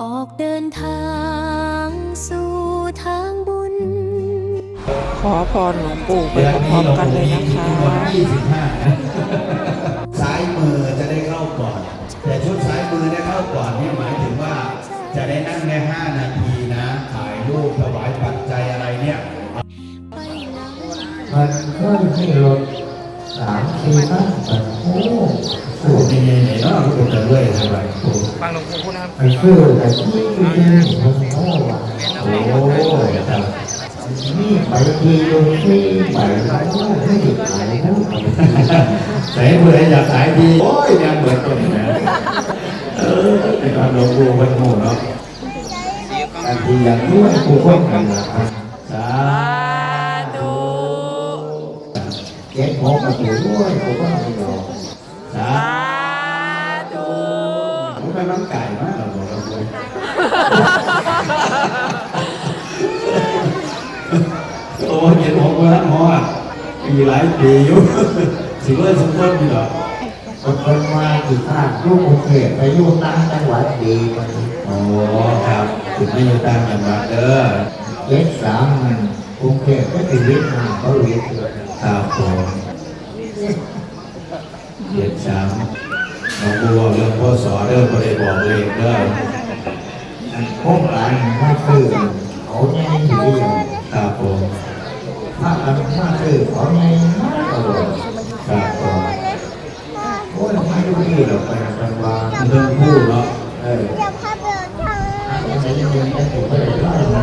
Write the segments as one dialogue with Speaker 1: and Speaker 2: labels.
Speaker 1: ออกเดินทางสู่ทางบุญ
Speaker 2: ขอพรหลวงปู่ไปพร้อมๆกันเลยนะคะ
Speaker 3: ซ้ายมือจะได้เข้าก่อนแต่ชุดซ้ายมือได้เข้าก่อนนี่หมายถึงว่าจะได้นั่งแค่5 นาทีนะถ่ายรูปถวายปัจจัยอะไรเนี่ย
Speaker 4: มันก็ให้รถ3-4 ครั้งโอ้
Speaker 3: พูดยังไงเนี่ยเนาะพูดกันเรื่อยทำไมพูด
Speaker 2: ฟังหลวงปู่พูดนะครับ
Speaker 4: มันคือแต่ที่มันโอ้ว่ะโอ้ครับนี่ไปทีโยที่ไปแล้วไม่ได้ขายนะ
Speaker 3: ไหนเมื่ออยากขายดีโอ้ยยังเหมือนตัวนี้นะเป็นการหลวงปู่เป็นหมู่เนาะ
Speaker 4: อันที่อย่างนี้ผู้คนกันนะ
Speaker 3: สา
Speaker 2: ธุ
Speaker 4: เก็บของมาอยู่ด้วยผู้คนกันเนาะ
Speaker 3: สา
Speaker 2: ธุ
Speaker 3: ผมเป็นน้องไก่มากเราบอกเราเลยโอ้เห็นผมว่าหมอปีหลายปีอยู่สิเมื่อสมบูรณ์อยู่หรอ
Speaker 4: คนมาที่ภาคลูกกรุงเทพไปอยู่ต่างจังหวัดดีมัน
Speaker 3: โอ้ครับถึงไม่อยู่ต่างจังหวัดเด้อ
Speaker 4: 73มันกรุงเทพก็ติดวิทย์มาเขาวิทย์เลย
Speaker 3: ครับผม73น้องบัวเรื่องพ่อสอเด้อก็ได้บอกเลยเด้อ
Speaker 4: โครงการมาคือเขาใหญ่ดี
Speaker 3: ครับผม
Speaker 4: ถ้ากันมาคือเขาใหญ่มากเลย
Speaker 3: ครับผม
Speaker 4: โอ้ยไม่รู้ดีหรอกไปกันว่า
Speaker 3: เรื่องผู้เนาะ
Speaker 4: จะยังจะถูกไปได้ไหม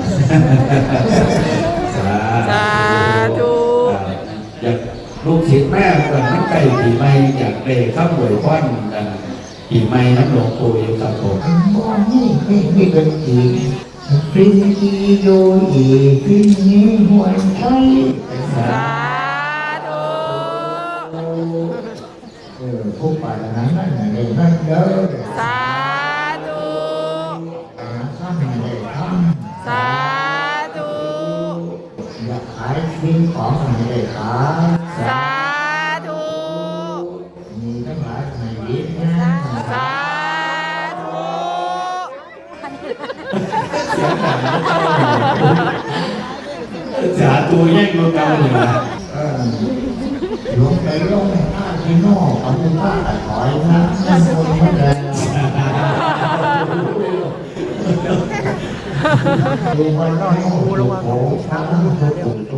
Speaker 3: สาธุอยากลูกศิษย์แม่เกิดน้ำไก่ปีใหม่อยากเด็กข้าวหวยควันปีใหม่น้ำหลวงปู่อยู่ครับผม
Speaker 4: นี่เป็นอีกฟินอีโยอีฟินนี้หวยไทย
Speaker 2: สาธุ
Speaker 4: ผู้ป่านั้นนั่นนี่นั่นเด้อ
Speaker 2: สาธุ
Speaker 4: ทำอะไรทำ
Speaker 2: สาธุ
Speaker 4: อยากขายสิ่งของอะไรขาย
Speaker 2: สาธุ
Speaker 4: มีทั้งหลายในวิทย์นะ
Speaker 2: สาธุ
Speaker 3: สาธุแย่งตัวเก่าเลยนะ
Speaker 4: ลงไปลงท่าที่นอกเอาเป็นท่าแต่ถอยนะนั่นคนไม่ได้ดูมันน้อยโอ้โหช้างทุกคน